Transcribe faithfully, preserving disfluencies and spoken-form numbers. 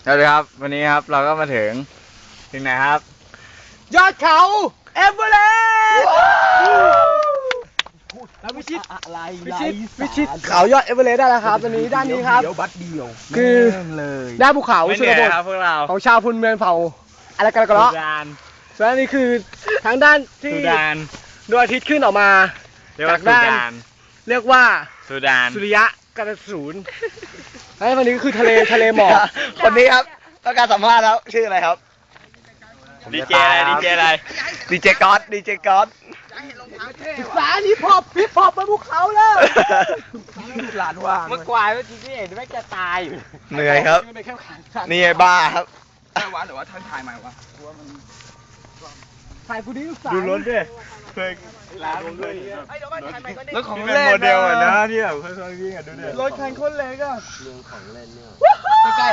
สวัสดีครับวันนี้ครับเราก็มาถึงถึงไหนครับยอดเขาเอเวอเรสต์แล้ววิชิตอะไรวิชิตวิชิตเขายอดเอเวอเรสต์ได้แล้วครับตอนนี้ด้านนี้ครับเดียวบัดเดียวคือด้านภูเขาชนบทของชาวพุนเมืองเผ่าอะไรกันกันเนาะส่วนนี้คือทางด้านที่ดวงอาทิตย์ขึ้นออกมาจากด้านเรียกว่าสุริยะกระสูนไอ้วันนี้ก็คือทะเลทะเลหมอกคนนี้ครับต้องการสัมภาษณ์แล้วชื่ออะไรครับดีเจอะไรดีเจอะไรดีเจก๊อตดีเจก๊อตศึกษาฮิปฮอปฮิปฮอปบนภูเขาแล้วหลานว่างเมื่อกวายเมื่อกี้ที่เห็นไม่จะตายอยู่เหนื่อยครับนี่ไอ้บ้าครับใช่วะหรือว่าท่านถ่ายใหม่วะถ่ายผู้ดีลูกสาวดูรถดิเคยร้านเลยรถของเล่นโมเดลอ่ะนะที่แบบค่อยๆวิ่งอ่ะดูดิรถคันคนเล็กอ่ะเรื่องของเล่นเนี่ย